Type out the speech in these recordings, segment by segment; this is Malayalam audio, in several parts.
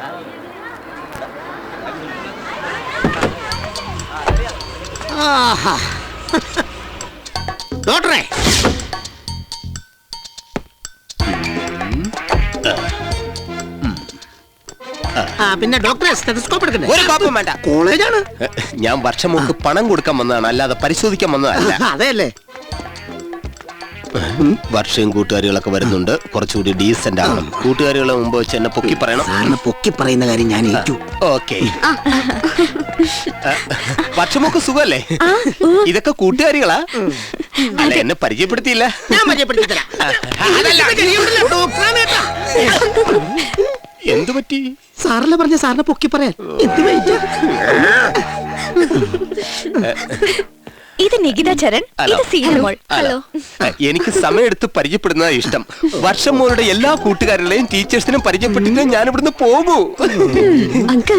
ഡോക്ടറെ, പിന്നെ ഡോക്ടറെ സ്റ്റെതസ്കോപ്പ് എടുക്കണ്ടേ? ഒരു കോപ്പം വേണ്ട. കോളേജാണ്. ഞാൻ വർഷം മുമ്പ് പണം കൊടുക്കാൻ വന്നതാണ്, അല്ലാതെ പരിശോധിക്കാൻ വന്നതല്ല. അതെയല്ലേ? വർഷവും കൂട്ടുകാരികളൊക്കെ വരുന്നുണ്ട്, കുറച്ചുകൂടി ഡീസന്റ് ആവണം. കൂട്ടുകാരികളെ മുമ്പ് വെച്ച് എന്നെ പൊക്കി പറയണം. സാറിന് പൊക്കി പറയുന്ന കാര്യം ഞാൻ ഏറ്റു. ഓക്കെ. വർഷമൊക്കെ സുഖല്ലേ? ഇതൊക്കെ കൂട്ടുകാരികളാ? അല്ല, എന്നെ പരിചയപ്പെടുത്തിയില്ല. ഞാൻ പരിചയപ്പെടുത്തിത്തരാം. എന്തു പറ്റി? സാറല്ലേ പറഞ്ഞ സാറിനെ പൊക്കി പറയാൻ. ഇത് നികിത ചരൺ, ഇത് സീനമോൾ. ഹലോ. എനിക്ക് സമയമെടുത്ത് പരിചയപ്പെടുന്നതാ ഇഷ്ടം. വർഷം മോളുടെ എല്ലാ കൂട്ടുകാരുടെയും ടീച്ചേഴ്സിനും പരിചയപ്പെട്ടിട്ട് ഞാൻ ഇവിടുന്ന് പോകൂ. അങ്കിൾ.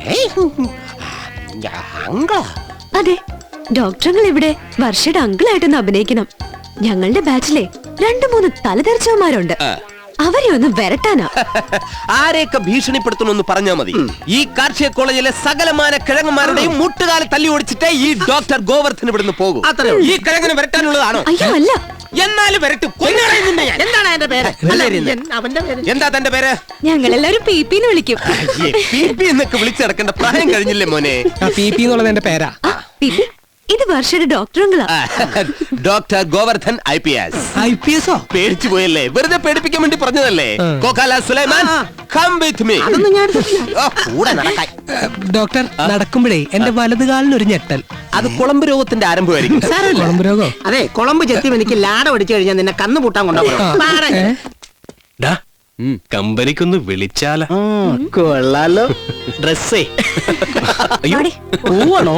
അതെ, ഡോക്ടറുകൾ ഇവിടെ വർഷയുടെ അങ്കിളായിട്ടൊന്ന് അഭിനയിക്കണം. ഞങ്ങളുടെ ബാച്ചിലെ 2-3 തലതെറിച്ചവന്മാരുണ്ട്. അവരെ ഒന്ന് വരട്ടാനാ. ആരെയൊക്കെ ഭീഷണിപ്പെടുത്തണമെന്ന് പറഞ്ഞാൽ മതി. ഈ കാർഷിക കോളേജിലെ സകലമാന കിഴങ്ങന്മാരുടെയും മുട്ടുകാല തല്ലി ഓടിച്ചിട്ടേ ഈ ഡോക്ടർ ഗോവർദ്ധൻ ഇവിടുന്ന് പോകും. ഈ കിഴങ്ങിന് വരട്ടാനുള്ളതാണോ? അയ്യോ അല്ല. എന്നാലും വരട്ടും. എന്താണ് എന്റെ പേര്? അവന്റെ പേര് എന്താ തന്റെ പേര്? ഞങ്ങളെല്ലാരും പി എന്ന് വിളിക്കും. എന്നൊക്കെ വിളിച്ചു നടക്കേണ്ട പ്രായം കഴിഞ്ഞില്ലേ മോനെ? പി എന്നുള്ളത് എന്റെ പേരാ. ഇത് വർഷയുടെ ഡോക്ടറുകളാ. Doctor Govardhan IPS. IPS? പേടിച്ചു പോയല്ലേ? വെറുതെ പേടിപ്പിക്കാൻ വേണ്ടി പറഞ്ഞതല്ലേ? കോക്കാല സുലൈമാൻ, come with me. കൂടെ നടക്കാൻ. ഡോക്ടർ, നടക്കുമ്പോഴേ എന്റെ വലതുകാലിന് ഒരു ഞെട്ടൽ. അത് കുളമ്പ് രോഗത്തിന്റെ ആരംഭമായിരിക്കും. കുളമ്പ് രോഗോ? അതെ, കുളമ്പ് ചെത്തി എനിക്ക് ലാട അടിച്ചു കഴിഞ്ഞാൽ നിന്നെ കന്നു പൂട്ടാൻ കൊണ്ടുപോകും. കമ്പനിക്കൊന്ന് വിളിച്ചാലോ? കൊള്ളാലോ. ഡ്രസ്സേ പോവാണോ?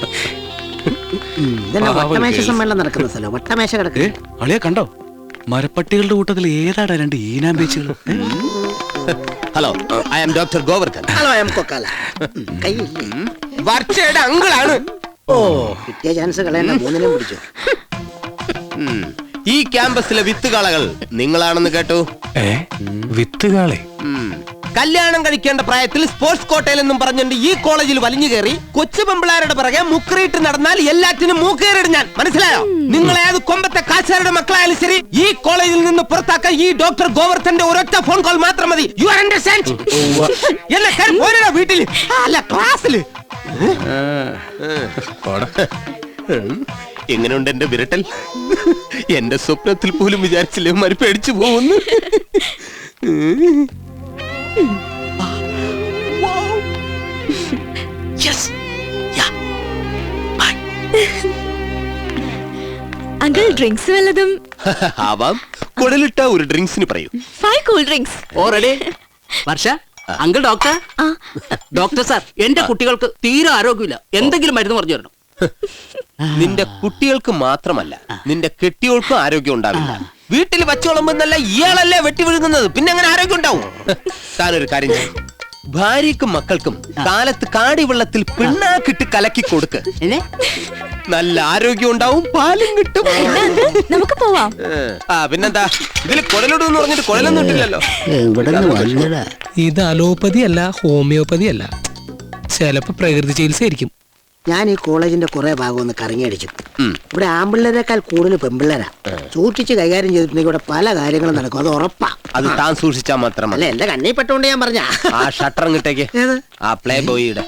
ഇതന്നെ വട്ടമേശ സമ്മേളനം നടക്കുന്ന സ്ഥലം. വട്ടമേശ കിടക്കുക. അളിയെ കണ്ടോ? മരപ്പട്ടികളുടെ കൂട്ടത്തിൽ ഏതാടാ 2 ഈനാമ്പേച്ചുകൾ? Hello, I am doctor Govardhan. Hello, I am Kokkala. വർഷയുടെ അങ്കിളാണ്. ഓ, കിട്ടിയ ചാൻസ് കളയണ്ട. 3നും പിടിച്ചു. ഈ ക്യാമ്പസിലെ വിത്തുകാളകൾ നിങ്ങളാണെന്ന് കേട്ടു. വിത്തുകാളെ? കല്യാണം കഴിക്കേണ്ട പ്രായത്തിൽ സ്പോർട്സ് കോട്ടയിൽ എന്നും പറഞ്ഞിട്ട് ഈ കോളേജിൽ വലിഞ്ഞു കയറി കൊച്ചു പെമ്പിളാരുടെ പിറകെ മുക്കറിയിട്ട് നടന്നാൽ എല്ലാറ്റിനും മൂക്കേറിടും ഞാൻ. മനസ്സിലായോ? നിങ്ങൾ ഏത് കൊമ്പത്തെ കാശാരുടെ മക്കളായാലും ശരി, ഈ കോളേജിൽ നിന്ന് പുറത്താക്കാൻ ഈ ഡോക്ടർ ഗോവർദ്ധന്റെ ഒരൊറ്റ ഫോൺ കോൾ മാത്രം മതി. You are understand? എന്നെ വീട്ടിൽ അല്ല ക്ലാസ്സില്. എങ്ങനെയുണ്ട് എന്റെ വിരട്ടൽ? എന്റെ സ്വപ്നത്തിൽ പോലും വിചാരിച്ചില്ലേ മാറി പേടിച്ചു പോകുന്നു. അങ്കിൾ, ഡ്രിങ്ക്സ് വല്ലതും? ആവാം. കുടലിട്ട ഒരു ഡ്രിങ്ക്സിന് പറയൂ. 5 cool drinks. Already. Varsha, uncle doctor. Doctor sir, എന്റെ കുട്ടികൾക്ക് തീരെ ആരോഗ്യമില്ല. എന്തെങ്കിലും മരുന്ന് പറഞ്ഞു തരണം. നിന്റെ കുട്ടികൾക്ക് മാത്രമല്ല, നിന്റെ കെട്ടിയോൾക്കും ആരോഗ്യം ഉണ്ടാവില്ല. വീട്ടിൽ വച്ചോളുമ്പെന്നല്ല ഇയാളല്ലേ വെട്ടി വിഴുങ്ങുന്നത്. പിന്നെ അങ്ങനെ ആരോഗ്യം ഉണ്ടാവും? താനൊരു കാര്യം ചെയ്യും, ഭാര്യക്കും മക്കൾക്കും കാലത്ത് കാടി വെള്ളത്തിൽ പിണ്ണാക്കിട്ട് കലക്കി കൊടുക്ക്. നല്ല ആരോഗ്യം ഉണ്ടാവും, പാലും കിട്ടും. നമുക്ക് പോവാം. പിന്നെന്താ, ഇതിൽ കുടലിടുന്ന് പറഞ്ഞിട്ട് കുടലൊന്നും ഇട്ടില്ലല്ലോ. ഇത് അലോപ്പതി അല്ല, ഹോമിയോപ്പതി അല്ല, ചിലപ്പോ പ്രകൃതി ചികിത്സ ആയിരിക്കും. ഞാൻ ഈ കോളേജിന്റെ കുറെ ഭാഗം ഒന്ന് കറങ്ങിയടിച്ചു. ഇവിടെ ആമ്പിള്ളേരെക്കാൾ കൂടുതൽ പെമ്പിള്ളേരാ. സൂക്ഷിച്ച് കൈകാര്യം ചെയ്തിട്ടുണ്ടെങ്കിൽ ഇവിടെ പല കാര്യങ്ങളും നടക്കും. അത് ഉറപ്പാ. അത് താൻ സൂക്ഷിച്ചാ മാത്രം അല്ല, എന്റെ കണ്ണി പെട്ടോണ്ട് ഞാൻ പറഞ്ഞ. ആ ഷട്ടർ ഇങ്ങോട്ടേക്ക്. ആ പ്ലേ ബോയിയുടെ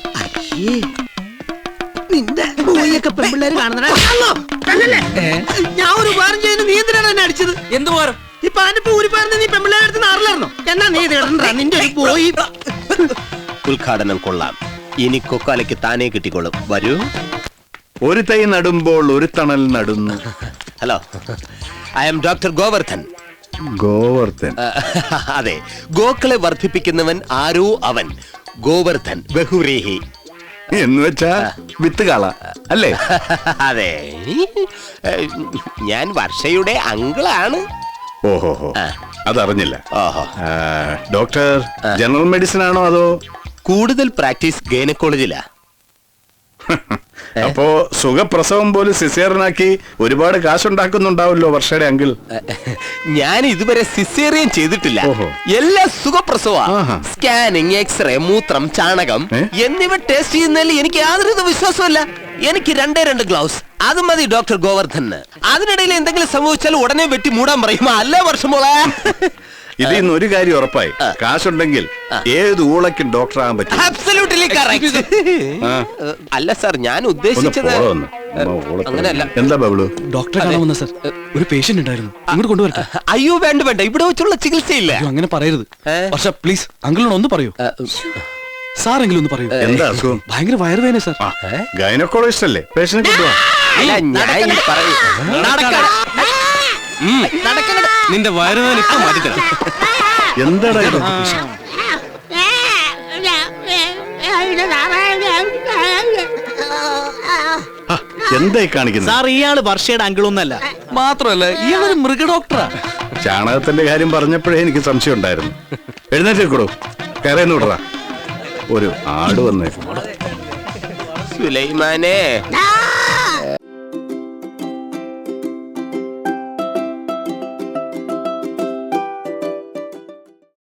നിന്റെ ബോയിയൊക്കെ പെമ്പിള്ളേര് കാണുന്ന. ഞാൻ ഒരു ഉപകാരം ചെയ്യുന്ന നീ എന്തിനാണ് എന്നെ അടിച്ചത്? എന്ത് ഉപകാരം? ഈ പാനിപ്പോ ഊരിപ്പാരുന്ന നീ പെമ്പിള്ളേരടുത്ത് നാറിലായിരുന്നോ? എന്നാ നീ നിന്റെ ഒരു ബോയി. ഉദ്ഘാടനം കൊള്ളാം. ഇനി കൊക്കാലയ്ക്ക് താനേ കിട്ടിക്കോളും. വരൂ. ഒരു തൈ നടുമ്പോൾ ഒരു തണൽ നടുന്നു. Hello, I am doctor Govardhan. Govardhan? അതെ, ഗോക്കളെ വർദ്ധിപ്പിക്കുന്നവൻ ആരോ അവൻ. ഗോവർദ്ധൻ ബഹുരേഹി എന്ന് വെച്ചാ വിത്തുകാള അല്ലേ? അതെ, ഞാൻ വർഷയുടെ അങ്കിളാണ്. ഓഹോ, അതറിഞ്ഞില്ല. ഓഹോ. ഡോക്ടർ ജനറൽ മെഡിസിൻ ആണോ അതോ? കൂടുതൽ പ്രാക്ടീസ് ഗൈനക്കോളജിലാ. അപ്പോ സുഖപ്രസവം പോലും സിസേറിനാക്കി ഒരുപാട് കാശുണ്ടാക്കുന്നുണ്ടാവല്ലോ വർഷയുടെ അങ്കിൾ. ഞാൻ ഇതുവരെ സിസേറിയൻ ചെയ്തിട്ടില്ല. ഓഹോ. എല്ലാം സുഖപ്രസവ. ആഹാ. സ്കാനിങ്, എക്സ്റേ, മൂത്രം, ചാണകം എന്നിവ ടെസ്റ്റ് ചെയ്യുന്നതിൽ എനിക്ക് യാതൊരു വിശ്വാസമില്ല. എനിക്ക് 2 ഗ്ലൗസ് അത് മതി ഡോക്ടർ ഗോവർദ്ധന്. അതിനിടയിൽ എന്തെങ്കിലും സംഭവിച്ചാൽ ഉടനെ വെട്ടി മൂടാൻ പറയും. അല്ലേ വർഷമോളെ? ഇതിൽ നിന്ന് ഒരു കാര്യം ഉറപ്പായി, കാശുണ്ടെങ്കിൽ ഏത് ഊളയ്ക്കും ഡോക്ടറാകാൻ പറ്റും. Absolutely correct. അല്ല സാർ, ഞാൻ ഒന്ന് ഉദ്ദേശിച്ചത് പോളോ ഒന്ന്. അമ്മ ഊള- അങ്ങനെയല്ല. എന്താ ബബ്ലു? ഡോക്ടറെ കാണാമെന്ന സർ, ഒരു പേഷ്യന്റ് ഉണ്ടായിരുന്നു, ഇങ്ങോട്ട് കൊണ്ടുവരട്ടെ? അയ്യോ വേണ്ട വേണ്ട, ഇവിടെ വെച്ചുള്ള ചികിത്സയില്ല. അയ്യോ, അങ്ങനെ പറയരുത് ഏ? വർഷ, പ്ലീസ് അങ്കിളിനോട് ഒന്ന് പറയൂ. സാറെങ്കിലും ഒന്ന് പറയൂ. എന്താ അസുഖം? ഭയങ്കര വയറുവേദന സർ. ഗൈനക്കോളജിസ്റ്റ് അല്ലേ? പേഷ്യന്റ് കൊണ്ടുവാ. അല്ല, ഞാൻ ഈ പറയും. നിന്റെ വയറുവേദന ഇപ്പൊ മാറ്റിത്തരാം. എന്താടാ ഇത്? ആ, എന്തായി കാണിക്കുന്നത്? സാർ ഇയാള് വർഷയുടെ അങ്കിളൊന്നല്ല. മാത്രമല്ല ഇയാളൊരു മൃഗ ഡോക്ടറാ. ചാണകത്തിന്റെ കാര്യം പറഞ്ഞപ്പോഴേ എനിക്ക് സംശയം ഉണ്ടായിരുന്നു. എഴുന്നേറ്റേക്കൂടോ, കയറേന്ന് വിടറാ. ഒരു ആട് വന്നേക്കും. സുലൈമാനെ